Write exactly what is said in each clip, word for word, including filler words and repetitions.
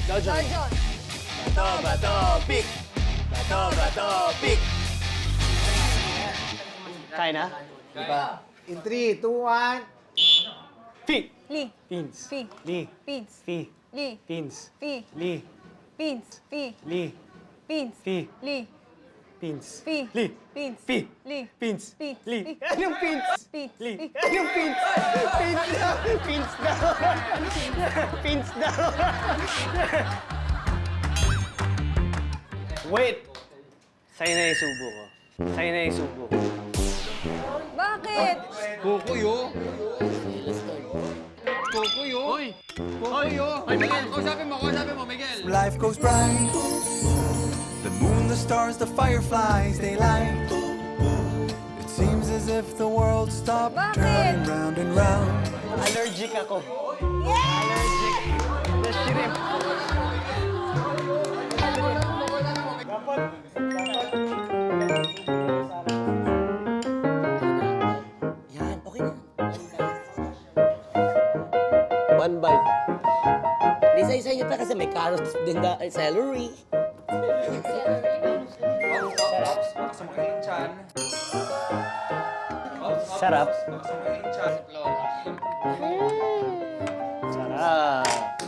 Dojon. Dojon. Bato, bato, pick. Bato, bato, pick. Kaya na? Diba? In three, two, one. Fi. Li. Pins. Fi. Li. Pins. Fi. Li. Pins. Fi. Li. Pins. Fi. Li. Pins. Fi. Li. Pins. Fi. Li. Pins. Fi. Li. Pins. Pins. Li. Fi. Anong pins? Pins. Li. Fi. Anong pins? Pins daw. Pins daw. Pins daw. Wait. Sa'yo na yung subo ko. Sa'yo na yung subo ko. Bakit? Kukuyo. Kukuyo. Hoy. Kukuyo. Hoy, Miguel. Kausapin mo, kausapin mo, Miguel. Life goes bright. The moon, the stars, the fireflies, they light. It seems as if the world stopped Bakit? turning round and round. Allergic ako. Yeah! Allergic. The shrimp. Yan, okay na. One bite. Di sa isa pa kasi may carrots din na eh, celery. Sarap. Sarap.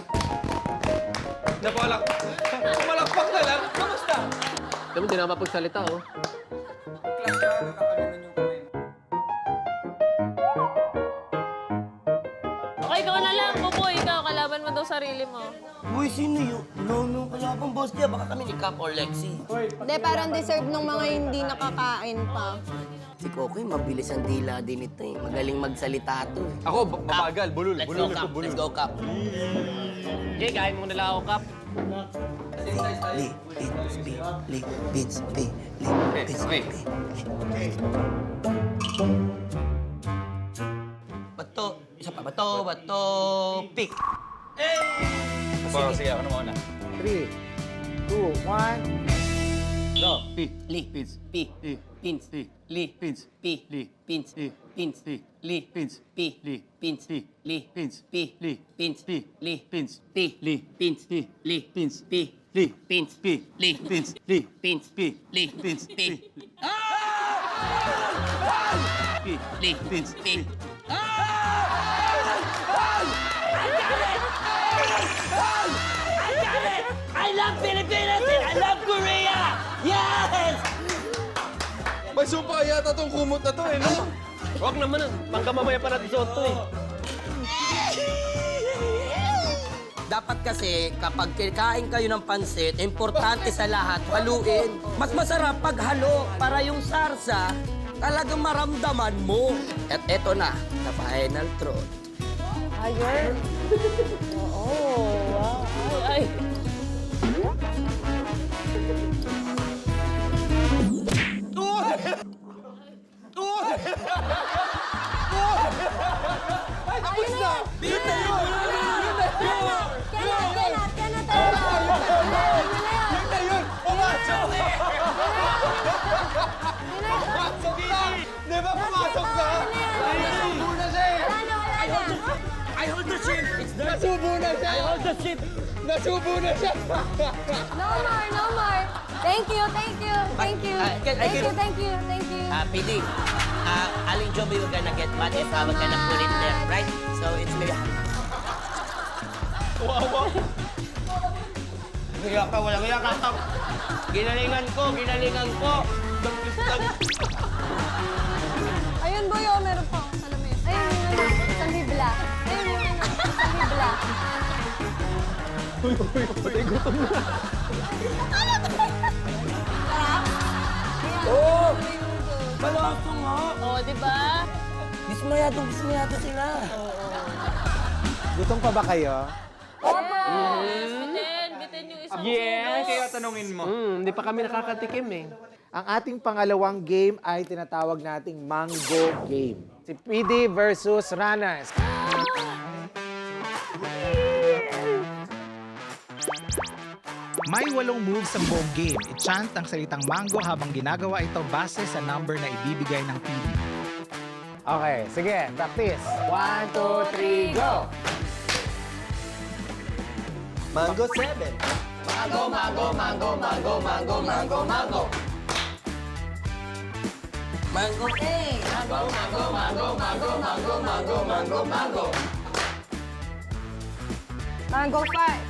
Napalak. Malakpak na lang. Kamusta? Alam mo, hindi na mapagsalita, oh. Okay, ikaw na lang, Buboy. Ikaw, kalaban mo daw sarili mo. Uy, sino yun? No, no, kaya pang boss niya. Baka kami ni Cap or Lexi. Hindi, parang deserve ng mga hindi nakakain pa. Si Kokoy, mabilis ang dila din ito eh. Magaling magsalita to eh. Ako, mabagal. Bulol. Let's Bulol go, ako, Cap. bulol. Let's go, Cap. Okay, kain mo na lang ako, Kap. Li, Beans, Bi, Li, Beans, Bi, Li, Beans, okay. Bi. Bato, isa pa, bato, bato, pick. Parang sige, ako na muna. Three, two, one. Go. Li, Pins, Pi, Pins, Li, Pins, Pi, Li, Pins, Pins, Li, Pins, Pi, Li, Pins, Li, Pins, Pi, Li, Pins, Li, Pins, Pi, Li, Pins, Li, Pins, Pi, Li, Pins, Pi, Li, Pins, Li, Pins, Pi, Li, Pins, Pi. Pi, Li, Pins, Pi. I love Philippines and I love Korea! Yes! May sumpa yata tong kumot na to eh, no? Huwag naman, pangka mamaya pa natin suot to, eh. Dapat kasi, kapag kikain kayo ng pansit, importante sa lahat, haluin. Mas masarap pag halo para yung sarsa talagang maramdaman mo. At eto na, the final truth. Ayun. Oo, wow. Ay, ay. Tapos na! Yun na yun! Cannot, cannot, cannot talaga. Yun na yun! Pumasok! Pumasok na! Di ba pumasok na? Nasubo na siya eh! Wala na, wala na. I hold the ship! It's done! Nasubo na siya! I hold the ship! Nasubo na siya! No more, no more. Thank you, thank you, thank you. I- I can- I Thank can- you, thank you, thank you. Uh, P D, uh, Aling Joby, we're gonna get mad if uh, we're gonna put it there, right? So it's maybe... Kaya ka, walang kaya ka, Kap. Ginalingan ko, ginalingan ko. Ayun, boy, oh, meron pa akong salamin. Ayun, yung ano, isang bibla. Ayun, yung ano, isang bibla. Uy, uy, uy, gutom na. Oh! Malasa nga! Oo, di ba? Dismayado, dismayado sila. Gutom pa ba kayo? Yes, bitin. Bitin yung isang Yes! Kaya tanungin mo. Hmm, hindi pa kami nakakatikim, eh. Ang ating pangalawang game ay tinatawag nating Mango Game. Si P D versus Runners. May walong moves ang buong game. I-chant ang salitang mango habang ginagawa ito base sa number na ibibigay ng P D. Okay, sige, practice. One, two, three, go! Mango seven. Mango, mango, mango, mango, mango, mango, mango. Mango eight. Mango, mango, mango, mango, mango, mango, mango, mango. Mango five.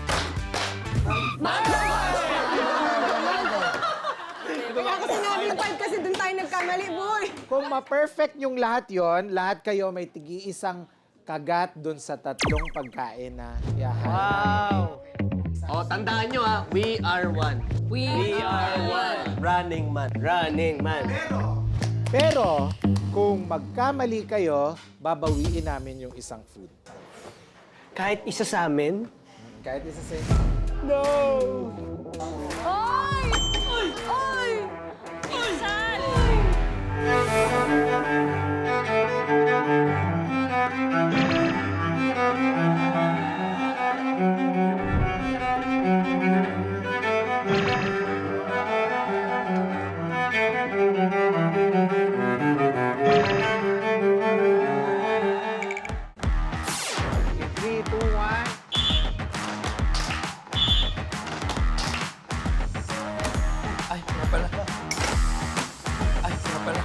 Kaya kasi sinabi yung five kasi dun tayo nagkamali, boy. Kung ma-perfect yung lahat yon, lahat kayo may tigi-isang kagat dun sa tatlong pagkain na yahan. Wow! O, tandaan nyo ha, we are one. We, are one. Running man. Running man. Pero, kung magkamali kayo, babawiin namin yung isang food. Kahit isa sa amin, Kahit isa sa Oy! Oy! Pinsan! three, two, one. Ay, nga pala. Ay, nga pala.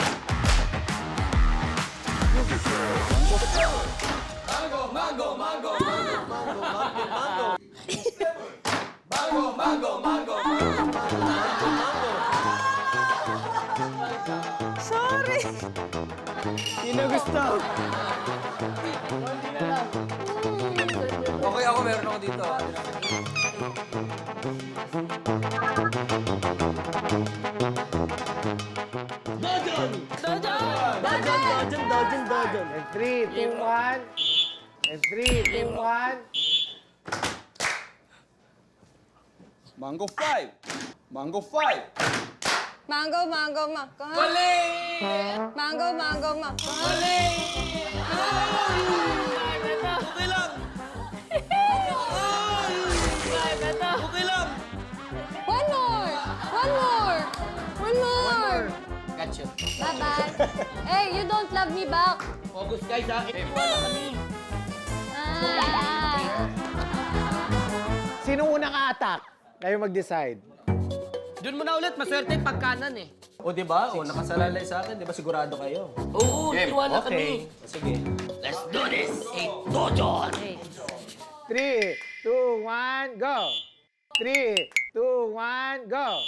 sino gusto? Okay, ako meron ako dito. Dojan, dojan, dojan. And three, two, one. And three, two, one. Mango five. Mango five. Mango, mango, mango. Mango, mango, mango. Okay lang. Okay lang. One more! One more! One more! Gotcha. Bye-bye. Hey, you don't love me back. Focus guys ha. Wala kami. Ah. Sino unang a-attack? Kayo mag-decide. Doon mo na ulit, maswerte yung pagkanan eh. O, di ba? O, nakasalalay sa akin. Di ba sigurado kayo? Oo, tiwala kami. Sige. Let's do this. Eight dojan. Three, two, one, go! Three, two, one, go!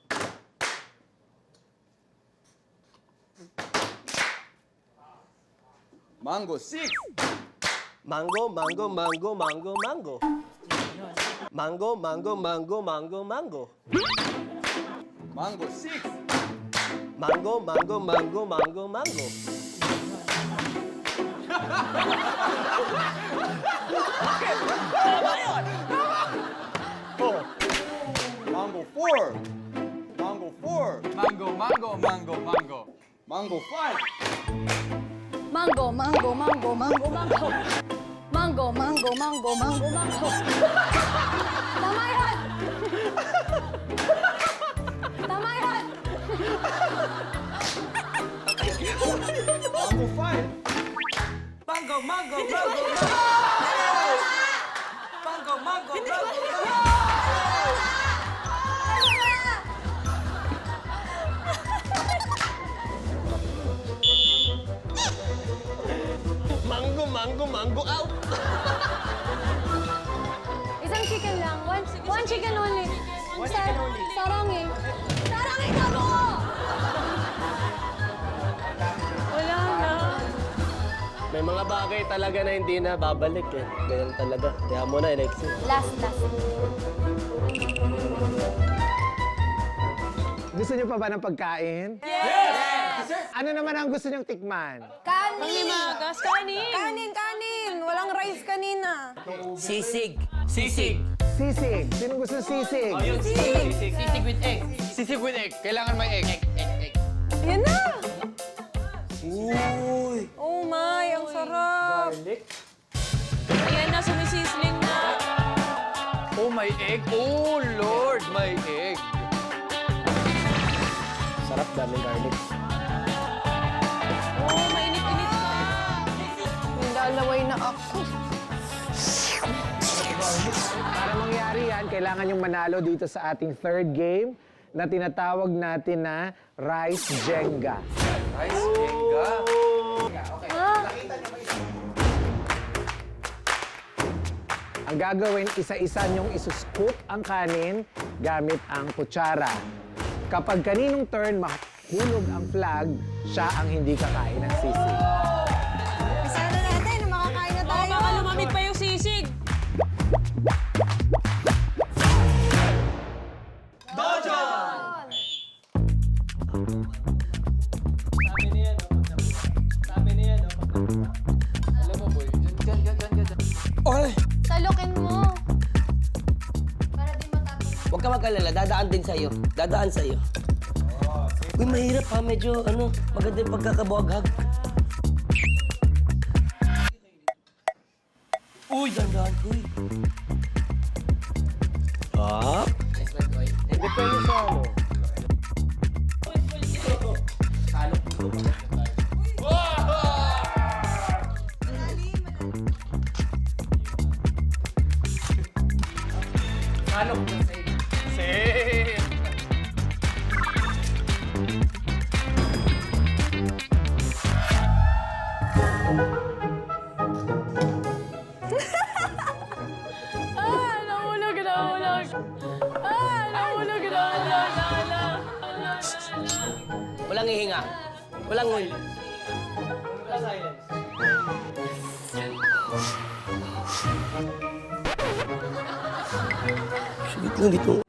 Mango six. Mango, mango, mango, mango, mango. Mango, mango, mango, mango, mango. Mango six. Mango, mango, mango, mango, mango. Mango four. Mango four. Mango, mango, mango, mango. Mango five. Mango, mango, mango, mango, mango. Mango, mango, mango, mango, mango. Tama yan! Tama yan! Mango five. Mango, mango, mango, mango, mango, mango. Mango, mango, mango, out. Isang chicken lang. One, one chicken only. One chicken only. Sarangi. Sarangi ka mo! Wala na. May mga bagay talaga na hindi na babalik eh. Ganyan talaga. Kaya mo na, Alexis. Last, last. Gusto niyo pa ba ng pagkain? Yes! Ano naman ang gusto niyong tikman? Kanin! Pangimagas, kanin. Kanin, kanin! Walang rice kanina. Sisig. Sisig. Sisig. Sino gusto sisig? Sisig. Sisig with egg. Sisig with egg. Kailangan may egg. Egg, egg, egg. Yan na! Oh my, ang sarap! Ayan na, sumisisling na. Oh, may egg. Oh, Lord, may egg. Sarap, daming garlic. Oh, mainit-init pa. Naglalaway na ako. Para mangyari yan, kailangan yung manalo dito sa ating third game na tinatawag natin na Rice Jenga. Rice Jenga. Ang gagawin, isa-isa niyong isuscoop ang kanin gamit ang kutsara. Kapag kaninong turn mahulog ang flag, siya ang hindi kakain ng sisig. Isa na natin, makakain na tayo. Baka lumamig pa yung sisig. Salukin mo. Para di matapos. Huwag ka mag-alala, dadaan din sa'yo. Dadaan sa'yo. Uy, mahirap ha. Medyo, ano, maganda yung pagkakabuhaghag. Uy, dandan, uy. Up. Nice one, boy. Depende sa ano. Same. Ah, nahulog, nahulog. Ah, nahulog, nahulog, nahulog. Walang hihinga. Walang hul. Wait lang dito.